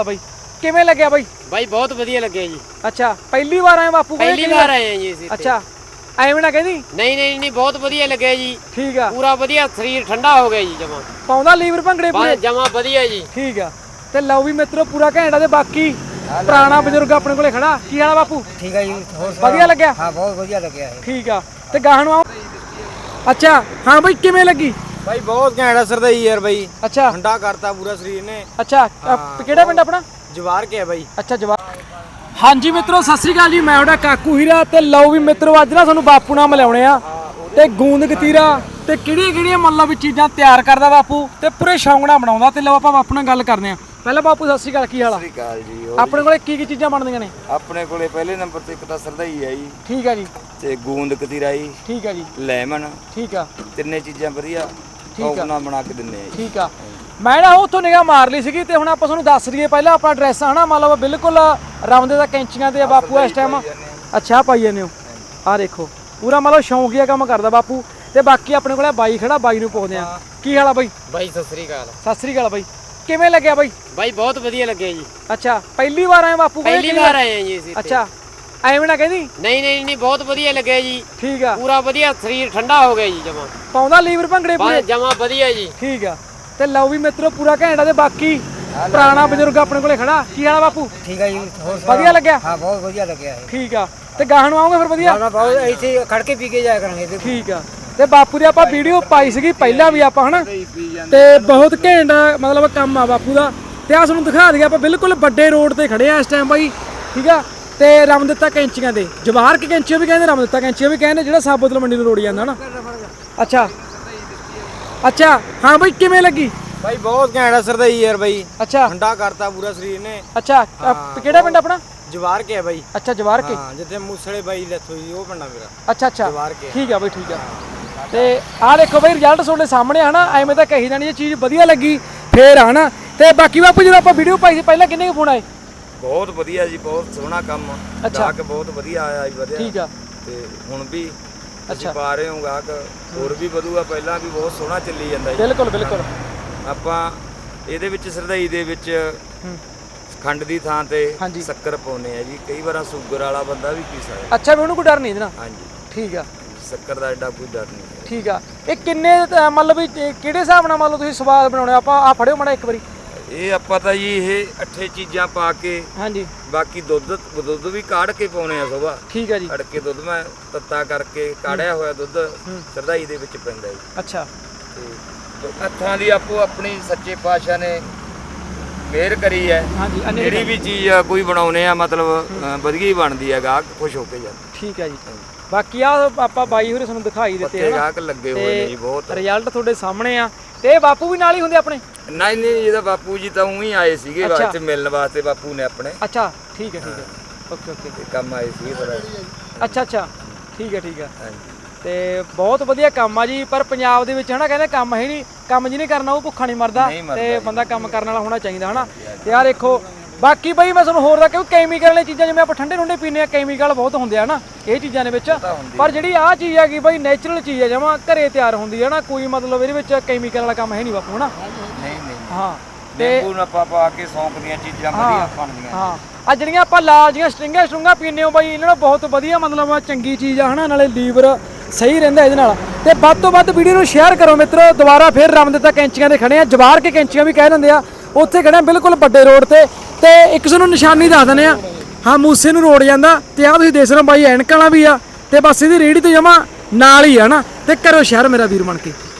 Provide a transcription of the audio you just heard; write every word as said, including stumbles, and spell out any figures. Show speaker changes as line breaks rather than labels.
ਬਾਈ ਕਿਵੇਂ ਲੱਗਿਆ ਬਾਈ?
ਬਾਈ ਬਹੁਤ ਵਧੀਆ ਲੱਗਿਆ ਜੀ।
ਅੱਛਾ ਪਹਿਲੀ ਵਾਰ ਆਏ ਬਾਪੂ ਕੋਲ?
ਪਹਿਲੀ ਵਾਰ ਆਏ ਆ ਜੀ ਅਸੀਂ।
ਅੱਛਾ ਐਵੇਂ ਨਾ ਕਹਿੰਦੀ।
ਨਹੀਂ ਨਹੀਂ ਨਹੀਂ ਬਹੁਤ ਵਧੀਆ ਲੱਗਿਆ ਜੀ।
ਠੀਕ ਆ
ਪੂਰਾ ਵਧੀਆ, ਸਰੀਰ ਠੰਡਾ ਹੋ ਗਿਆ ਜੀ ਜਮਾ।
ਪਾਉਂਦਾ ਲੀਵਰ ਭੰਗੜੇ ਪੂਰੇ
ਜਮਾ ਵਧੀਆ ਜੀ।
ਠੀਕ ਆ ਤੇ ਲਓ ਵੀ ਮਿੱਤਰੋ ਪੂਰਾ ਘੈਂਟਾ ਤੇ ਬਾਕੀ ਪੁਰਾਣਾ ਬਜ਼ੁਰਗ ਆਪਣੇ ਕੋਲੇ ਖੜਾ। ਕੀ ਹਾਲ ਆ ਬਾਪੂ?
ਠੀਕ ਹੈ ਜੀ। ਹੋਰ
ਵਧੀਆ ਲੱਗਿਆ?
ਹਾਂ ਬਹੁਤ ਵਧੀਆ ਲੱਗਿਆ ਇਹ।
ਠੀਕ ਆ ਤੇ ਗਾਹਾਂ ਨੂੰ ਆਓ। ਅੱਛਾ ਹਾਂ ਬਾਈ ਕਿਵੇਂ ਲੱਗੀ?
ਬਾਈ ਬਹੁਤ ਘੈਂਟਾ ਸਰਦਾਈ ਯਾਰ ਬਾਈ।
ਅੱਛਾ
ਠੰਡਾ ਕਰਤਾ ਪੂਰਾ ਸਰੀਰ ਨੇ।
ਅੱਛਾ ਕਿਹੜਾ ਪਿੰਡ ਆਪਣਾ?
ਜਵਾਰ ਕੇ ਹੈ ਬਾਈ।
ਅੱਛਾ ਜਵਾਰ। ਹਾਂਜੀ ਮਿੱਤਰੋ ਸਤਿ ਸ੍ਰੀ ਅਕਾਲ ਜੀ, ਮੈਂ ਤੁਹਾਡਾ ਕਾਕੂ ਹੀਰਾ ਤੇ ਲਓ ਵੀ ਮਿੱਤਰੋ ਅੱਜ ਨਾ ਤੁਹਾਨੂੰ ਬਾਪੂ ਨਾਲ ਮਿਲਾਉਣੇ ਆ ਤੇ ਗੂੰਦ ਗਤੀਰਾ ਤੇ ਕਿਹੜੀਆਂ ਕਿਹੜੀਆਂ ਮਤਲਬ ਵੀ ਚੀਜ਼ਾਂ ਤਿਆਰ ਕਰਦਾ ਬਾਪੂ ਤੇ ਪੂਰੇ ਸ਼ੌਂਕ ਨਾਲ ਬਣਾਉਂਦਾ। ਤੇ ਲਓ ਆਪਾਂ ਬਾਪੂ ਨਾਲ ਗੱਲ ਕਰਦੇ ਆ। ਪਹਿਲਾਂ ਬਾਪੂ ਸਤਿ ਸ੍ਰੀ ਅਕਾਲ, ਕੀ ਹਾਲ ਆ?
ਸਤਿ ਸ੍ਰੀ ਅਕਾਲ ਜੀ।
ਆਪਣੇ ਕੋਲੇ ਕੀ ਕੀ ਚੀਜ਼ਾਂ ਬਣਦੀਆਂ ਨੇ?
ਆਪਣੇ ਕੋਲੇ ਪਹਿਲੇ ਨੰਬਰ ਤੇ ਇੱਕ ਤਾਂ ਸਰਦਾਈ ਹੈ ਜੀ।
ਠੀਕ ਆ ਜੀ।
ਤੇ ਗੂੰਦ ਕਤੀਰਾ ਜੀ।
ਠੀਕ ਆ ਜੀ।
ਲੈਮਨ।
ਠੀਕ ਆ।
ਤਿੰਨੇ ਚੀਜ਼ਾਂ ਵਧੀਆ
ਠੀਕ ਆ
ਨਾਲ ਬਣਾ ਕੇ ਦਿੰਨੇ ਆ ਜੀ।
ਠੀਕ ਆ ਮੈਂ ਨਾ ਉੱਥੋਂ ਨਿਗਾਹ ਮਾਰ ਲਈ ਸੀਗੀ ਤੇ ਹੁਣ ਆਪਾਂ ਤੁਹਾਨੂੰ ਦੱਸ ਦਈਏ ਪਹਿਲਾਂ ਆਪਣਾ ਐਡਰੈਸ ਹਨਾ ਮਤਲਬ ਬਿਲਕੁਲ ਰਾਮਦੇ ਦਾ ਕੈਂਚੀਆਂ ਤੇ ਬਾਪੂ ਇਸ ਟਾਈਮ। ਅੱਛਾ ਪਾਈ ਜਾਂਦੇ ਹੋ ਆਹ ਦੇਖੋ ਪੂਰਾ ਮਤਲਬ ਸ਼ੌਂਕੀਆ ਕੰਮ ਕਰਦਾ ਬਾਪੂ। ਤੇ ਬਾਕੀ ਆਪਣੇ ਕੋਲੇ ਬਾਈ ਖੜਾ, ਬਾਈ ਨੂੰ ਪੁੱਛਦੇ ਆ ਕੀ ਹਾਲ ਆ ਬਾਈ?
ਬਾਈ ਸਤਿ ਸ੍ਰੀ ਅਕਾਲ।
ਸਤਿ ਸ੍ਰੀ ਅਕਾਲ ਬਾਈ ਕਿਵੇਂ ਲੱਗਿਆ ਬਾਈ?
ਬਾਈ ਬਹੁਤ ਵਧੀਆ ਲੱਗਿਆ ਜੀ।
ਅੱਛਾ ਪਹਿਲੀ ਵਾਰ ਆਏ ਬਾਪੂ ਕੋਲ?
ਪਹਿਲੀ ਵਾਰ ਆਏ ਆ ਜੀ ਅਸੀਂ।
ਅੱਛਾ ਐਵੇਂ ਨਾ ਕਹਿੰਦੀ।
ਨਹੀਂ ਨਹੀਂ ਨਹੀਂ ਬਹੁਤ ਵਧੀਆ ਲੱਗਿਆ ਜੀ।
ਠੀਕ ਆ
ਪੂਰਾ ਵਧੀਆ, ਸਰੀਰ ਠੰਡਾ ਹੋ ਗਿਆ ਜੀ ਜਮਾ।
ਪਾਉਂਦਾ ਲੀਵਰ ਭੰਗੜੇ ਪੂਰੇ
ਜਮਾ ਵਧੀਆ ਜੀ।
ਠੀਕ ਆ ਤੇ ਲਓ ਵੀ ਮਿੱਤਰੋ ਪੂਰਾ ਘੈਂਟਾ ਤੇ ਬਾਕੀ ਪੁਰਾਣਾ ਬਜ਼ੁਰਗ ਆਪਣੇ ਕੋਲੇ ਖੜਾ। ਕੀ ਹਾਲ ਆ ਬਾਪੂ?
ਠੀਕ ਹੈ ਜੀ। ਹੋਰ
ਵਧੀਆ ਲੱਗਿਆ?
ਹਾਂ ਬਹੁਤ ਵਧੀਆ ਲੱਗਿਆ ਇਹ।
ਠੀਕ ਆ ਤੇ ਗਾਹਾਂ ਨੂੰ ਆਉਂਗੇ ਫਿਰ ਵਧੀਆ?
ਨਾ ਬਹੁਤ ਇੱਥੇ ਖੜ ਕੇ ਪੀ ਕੇ ਜਾਇਆ ਕਰਾਂਗੇ ਇਹਦੇ।
ਠੀਕ ਆ ਤੇ ਬਾਪੂ ਦੀ ਆਪਾਂ ਵੀਡੀਓ ਪਾਈ ਸੀਗੀ ਪਹਿਲਾਂ ਵੀ ਆਪਾਂ ਹਨਾ ਤੇ ਬਹੁਤ ਘੈਂਟ ਮਤਲਬ ਕੰਮ ਆ ਬਾਪੂ ਦਾ। ਤੇ ਆ ਤੁਹਾਨੂੰ ਦਿਖਾ ਦਈਏ ਆਪਾਂ ਬਿਲਕੁਲ ਵੱਡੇ ਰੋਡ ਤੇ ਖੜੇ ਆ ਇਸ ਟਾਈਮ ਬਾਈ। ਠੀਕ ਆ ਤੇ ਰਾਮ ਦਿੱਤਾ ਕੈਂਚੀਆਂ ਦੇ ਜਵਾਹਰ ਕੇ ਕੈਂਚੀਆਂ ਵੀ ਕਹਿੰਦੇ, ਰਾਮ ਦਿੱਤਾ ਕੈਂਚੀਆਂ ਵੀ ਕਹਿੰਦੇ, ਜਿਹੜਾ ਸਾਬੋਤਲ ਮੰਡੀ ਨੂੰ ਰੋੜੀ ਜਾਂਦਾ ਹਨਾ। ਅੱਛਾ ਅੱਛਾ ਹਾਂ ਬਾਈ ਕਿਵੇਂ ਲੱਗੀ?
ਬਾਈ ਬਹੁਤ ਘੈਂਟਾ ਸਰਦਾਈ ਯਾਰ ਬਾਈ।
ਅੱਛਾ
ਠੰਡਾ ਕਰਤਾ ਪੂਰਾ ਸਰੀਰ ਨੇ।
ਅੱਛਾ ਕਿਹੜਾ ਪਿੰਡ ਆਪਣਾ?
ਜਵਾਰ ਕੇ ਹੈ ਬਾਈ।
ਅੱਛਾ ਜਵਾਰ ਕੇ।
ਹਾਂ ਜਿੱਥੇ ਮੂਸਲੇ ਬਾਈ ਡੈਥ ਹੋਈ ਉਹ ਪਿੰਡਾ ਮੇਰਾ।
ਅੱਛਾ ਅੱਛਾ
ਜਵਾਰ ਕੇ।
ਠੀਕ ਆ ਬਾਈ ਠੀਕ ਆ। ਤੇ ਆਹ ਦੇਖੋ ਬਾਈ ਰਿਜ਼ਲਟ ਤੁਹਾਡੇ ਸਾਹਮਣੇ ਹਨਾ। ਐਵੇਂ ਤਾਂ ਕਹੀ ਜਾਣੀ ਜੇ ਚੀਜ਼ ਵਧੀਆ ਲੱਗੀ ਫੇਰ ਹਨਾ। ਤੇ ਬਾਕੀ ਬਾਪੂ ਜਦੋਂ ਆਪਾਂ ਵੀਡੀਓ ਪਾਈ ਸੀ ਪਹਿਲਾਂ ਕਿੰਨੇ ਕੁ ਫੋਨ ਆਏ?
ਬਹੁਤ ਵਧੀਆ ਜੀ, ਬਹੁਤ ਸੋਹਣਾ ਕੰਮ। ਗਾਹਕ ਬਹੁਤ ਵਧੀਆ ਆਇਆ ਜੀ। ਵਧੀਆ
ਠੀਕ ਆ
ਤੇ ਹੁਣ ਵੀ
ਅੱਛਾ
ਅਸੀਂ ਪਾ ਰਹੇ ਹਾਂ ਗਾਹਕ ਹੋਰ ਵੀ ਵਧੂਗਾ। ਪਹਿਲਾਂ ਵੀ ਬਹੁਤ ਸੋਹਣਾ ਚੱਲੀ ਜਾਂਦਾ ਜੀ।
ਬਿਲਕੁਲ ਬਿਲਕੁਲ।
ਆਪਾਂ ਇਹਦੇ ਵਿੱਚ ਸਰਦਾਈ ਦੇ ਵਿੱਚ ਖੰਡ ਦੀ ਥਾਂ ਤੇ ਸ਼ੱਕਰ ਪਾਉਨੇ ਆ ਜੀ। ਕਈ ਵਾਰ ਸ਼ੂਗਰ ਵਾਲਾ ਬੰਦਾ ਵੀ ਪੀ ਸਕਦਾ।
ਅੱਛਾ ਵੀ ਉਹਨੂੰ ਕੋਈ ਡਰ ਨਹੀਂ ਇਹਦੇ ਨਾਲ?
ਹਾਂਜੀ
ਠੀਕ ਆ।
ਸ਼ੱਕਰ ਦਾ ਐਡਾ ਕੋਈ ਡਰ ਨਹੀਂ।
ਠੀਕ ਆ ਇਹ ਕਿੰਨੇ ਮਤਲਬ ਵੀ ਕਿਹੜੇ ਹਿਸਾਬ ਨਾਲ ਮਤਲਬ ਤੁਸੀਂ ਸਵਾਦ ਬਣਾਉਣੇ? ਆਪਾਂ ਆ ਫੜਿਓ ਮਾੜਾ ਇੱਕ ਵਾਰੀ।
ਇਹ ਆਪਾਂ ਤਾਂ ਜੀ ਇਹ ਅੱਠੇ ਚੀਜ਼ਾਂ ਪਾ ਕੇ
ਹਾਂਜੀ
ਬਾਕੀ ਦੁੱਧ ਦੁੱਧ ਵੀ ਕਾੜ ਕੇ ਪਾਉਨੇ ਆ ਸੁਬਾ।
ਠੀਕ ਆ ਜੀ।
ਕੱਢ ਕੇ ਦੁੱਧ ਮੈਂ ਤੱਤਾ ਕਰਕੇ ਕਾੜਿਆ ਹੋਇਆ ਦੁੱਧ ਸਰਦਾਈ ਦੇ ਵਿੱਚ ਪੈਂਦਾ ਜੀ।
ਅੱਛਾ
ਤੇ ਹੱਥਾਂ ਦੀ ਆਪੋ ਆਪਣੀ ਸੱਚੇ ਪਾਤਸ਼ਾਹ ਨੇ ਮਿਹਰ ਕਰੀ ਹੈ।
ਹਾਂਜੀ
ਜਿਹੜੀ ਵੀ ਚੀਜ਼ ਕੋਈ ਬਣਾਉਨੇ ਆ ਮਤਲਬ ਵਧੀਆ ਹੀ ਬਣਦੀ ਹੈ। ਗਾਹਕ ਖੁਸ਼ ਹੋ ਕੇ ਜਾਂਦਾ।
ਠੀਕ ਹੈ ਜੀ। ਬਾਕੀ ਆ ਆਪਾਂ ਬਾਈ ਹੋਰੇ ਤੁਹਾਨੂੰ ਦਿਖਾਈ ਦਿੱਤੇ
ਹਨਾ। ਗਾਹਕ ਲੱਗੇ ਹੋਏ ਨੇ ਜੀ ਬਹੁਤ।
ਰਿਜ਼ਲਟ ਤੁਹਾਡੇ ਸਾਹਮਣੇ ਆ ਤੇ ਬਾਪੂ ਵੀ ਨਾਲ ਹੀ ਹੁੰਦੇ ਆਪਣੇ?
ਨਹੀਂ ਨਹੀਂ ਇਹਦਾ ਬਾਪੂ ਜੀ ਤਾਂ ਉਹੀ ਆਏ ਸੀਗੇ ਇੱਥੇ ਮਿਲਣ ਵਾਸਤੇ ਬਾਪੂ ਨੇ ਆਪਣੇ।
ਅੱਛਾ ਠੀਕ ਹੈ ਠੀਕ ਹੈ ਓਕੇ ਓਕੇ
ਤੇ ਕੰਮ ਆਏ ਸੀਗੇ ਪਰ।
ਅੱਛਾ ਅੱਛਾ ਠੀਕ ਹੈ ਠੀਕ ਹੈ।
ਹਾਂਜੀ
ਤੇ ਬਹੁਤ ਵਧੀਆ ਕੰਮ ਆ ਜੀ। ਪਰ ਪੰਜਾਬ ਦੇ ਵਿੱਚ ਹਨਾ ਕਹਿੰਦੇ ਕੰਮ ਹੈ ਨਹੀਂ, ਕੰਮ ਜਿਹਨੇ ਕਰਨਾ ਉਹ ਭੁੱਖਾ ਨਹੀਂ ਮਰਦਾ ਤੇ ਬੰਦਾ ਕੰਮ ਕਰਨ ਵਾਲਾ ਹੋਣਾ ਚਾਹੀਦਾ ਹਨਾ। ਤੇ ਯਾਰ ਦੇਖੋ ਬਾਕੀ ਬਈ ਮੈਂ ਤੁਹਾਨੂੰ ਹੋਰ ਦਾ ਕਿਉਂ ਕੈਮੀਕਲ ਵਾਲੀ ਚੀਜ਼ਾਂ ਜਿਵੇਂ ਆਪਾਂ ਠੰਡੇ ਠੰਡੇ ਪੀਂਦੇ ਆ ਕੈਮੀਕਲ ਬਹੁਤ ਹੁੰਦੇ ਆ ਨਾ ਇਹ ਚੀਜ਼ਾਂ ਦੇ ਵਿੱਚ। ਪਰ ਜਿਹੜੀ ਆਹ ਚੀਜ਼ ਹੈਗੀ ਬਈ ਨੈਚੁਰਲ ਚੀਜ਼ ਹੈ ਜਮਾਂ ਘਰੇ ਤਿਆਰ ਹੁੰਦੀ ਹੈ ਨਾ। ਕੋਈ ਮਤਲਬ ਇਹਦੇ ਵਿੱਚ ਕੈਮੀਕਲ ਵਾਲਾ ਕੰਮ ਹੈ ਨਹੀਂ ਬਾਪੂ ਹਨਾ।
ਨਹੀਂ ਨਹੀਂ
ਹਾਂ
ਤੇ ਨਿੰਬੂ ਨਪਾ ਪਾ ਕੇ ਸੌਂਕ ਦੀਆਂ ਚੀਜ਼ਾਂ ਵਧੀਆ ਬਣਦੀਆਂ।
ਹਾਂ ਆ ਜਿਹੜੀਆਂ ਆਪਾਂ ਲਾਲ ਜੀਆਂ ਸਟਿੰਗਾਂ ਸਟਰੂੰਗਾਂ ਪੀਂਦੇ ਹੋ ਬਾਈ ਇਹਨਾਂ ਨਾਲ ਬਹੁਤ ਵਧੀਆ ਮਤਲਬ ਚੰਗੀ ਚੀਜ਼ ਆ ਹਨਾ। ਨਾਲੇ ਲੀਵਰ ਸਹੀ ਰਹਿੰਦਾ ਇਹਦੇ ਨਾਲ। ਤੇ ਵੱਧ ਤੋਂ ਵੱਧ ਵੀਡੀਓ ਨੂੰ ਸ਼ੇਅਰ ਕਰੋ ਮਿੱਤਰੋ। ਦੁਬਾਰਾ ਫਿਰ ਰਾਮ ਦਿੱਤਾ ਕੈਂਚੀਆਂ ਦੇ ਖੜੇ ਆ, ਜਵਾਰ ਕੇ ਕੈਂਚੀਆਂ ਵੀ ਕਹਿ ਦਿੰਦੇ ਆ, ਉੱਥੇ ਖੜੇ ਆ ਬਿਲਕੁਲ ਵੱਡੇ ਰੋਡ ਤੇ। ਤੇ ਇੱਕ ਸਾਨੂੰ ਨਿਸ਼ਾਨੀ ਦੱਸ ਦਿੰਦੇ ਆ ਹਾਂ ਮੂਸੇ ਨੂੰ ਰੋਡ ਜਾਂਦਾ ਤੇ ਆਹ ਤੁਸੀਂ ਦੇਖ ਸਕਦੇ ਹੋ ਬਾਈ ਐਨਕਾਂ ਵਾਲਾ ਵੀ ਆ ਤੇ ਬਸ ਇਹਦੀ ਰੇਹੜੀ ਤੋਂ ਜਮਾ ਨਾਲ ਹੀ ਆ ਨਾ। ਤੇ ਕਰੋ ਸ਼ੇਅਰ ਮੇਰਾ ਵੀਰ ਬਣ ਕੇ।